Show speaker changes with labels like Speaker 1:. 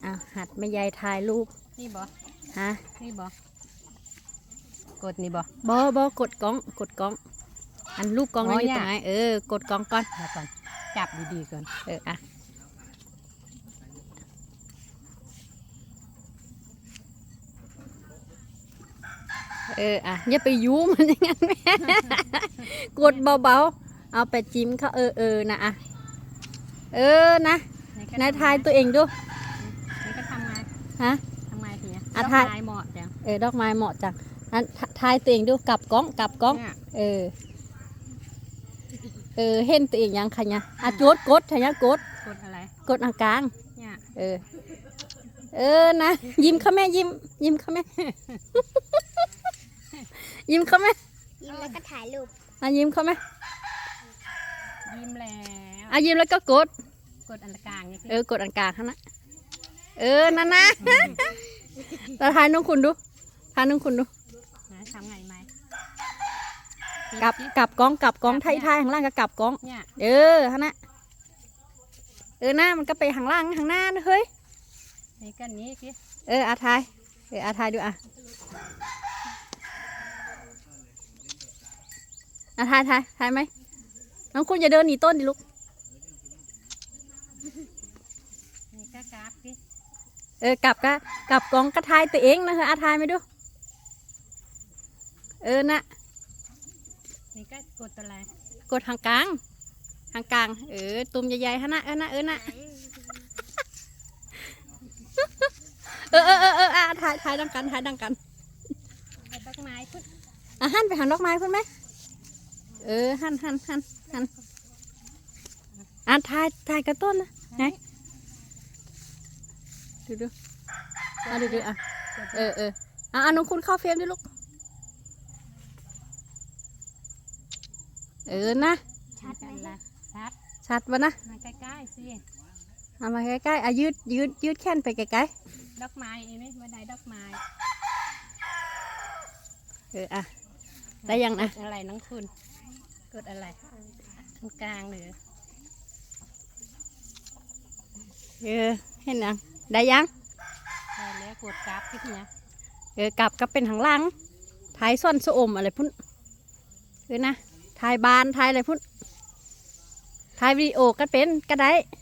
Speaker 1: หัดแม่ยายถ่ายรูป
Speaker 2: นี่บ่
Speaker 1: ฮะ
Speaker 2: นี่บ่กดนี่บ่
Speaker 1: กดกล้องอันรูปกล้องนั่นอยู่ตรงไหนกดกล้องก่อน
Speaker 2: แล้วก่อนจับดีๆก่อน
Speaker 1: อย่าไปยุ้มันอย่างนั้นแม่กดเบาๆเอาไปจิ้มเขานะนะนายทายตัวเองดู
Speaker 2: นี่ก็ทำไง
Speaker 1: ฮะ
Speaker 2: ทำไงทีนี้
Speaker 1: ดอกไม้
Speaker 2: เหมาะจัง
Speaker 1: ดอกไม้เหมาะจังนั้นทายตัวเองดูกลับกล้องเห็นตัวเองยังคะเนี่ยกดอะไรกดกลางเนี่ยนะยิ้มเขาแม่ยิ้มเขาแม่ยิ้มเขาแม่
Speaker 3: ยิ้มแล้วก็ถ่ายรูป
Speaker 1: ยิ้มเขาแม่
Speaker 2: ยิ้มแล้ว
Speaker 1: ยิ้มแล้วก็กด
Speaker 2: อันกลางนี่
Speaker 1: กดอันกลางข้างนั้นนั่นนะเราทายน้องคุณดู
Speaker 2: นะทำไงไหม
Speaker 1: กลับกล้องไทยข้างล่างก็กลับกล้องฮะนะหน้ามันก็ไปข้างล่างข้างหน้าเฮ้ย
Speaker 2: นี่กันนี้สิ
Speaker 1: ทายทายดูทายไหมน้องคุณอย่าเดินหนีต้นดิลูก
Speaker 2: นี่ก็กลับสิ
Speaker 1: กลับกล้องก็ทายตัวเองนะทายไหมดูนะ
Speaker 2: นี่ก็กดอะไร
Speaker 1: กดทางกลางตุ่มใหญ่ๆฮะนะนะถ่ายดังกัน
Speaker 2: ดอกไม้พุ่
Speaker 1: นหันไปหันดอกไม้พุ่นไหมหันถ่ายกระต้นนะไงดูดูน้องคุณเข้าเฟรมดิลูกนะชัดวะนะ
Speaker 2: มาใกล้ๆสิ
Speaker 1: มาใกล้ๆยืดแขนไปไกล
Speaker 2: ๆดอกไม้เองนี่วันใดดอกไม้
Speaker 1: ได้ยังนะ
Speaker 2: อะไรน้องคุณกดอะไรกลางหรือ
Speaker 1: เห็นยังได้ยัง
Speaker 2: ได้แล้วกดกราฟที่นี่
Speaker 1: กลับก็เป็นทางล่างท้ายซ่อนสะอมอะไรพุ่นนะถ่ายบานถ่ายอะไรพุ่นถ่ายวิดีโอก็เป็นก็ได้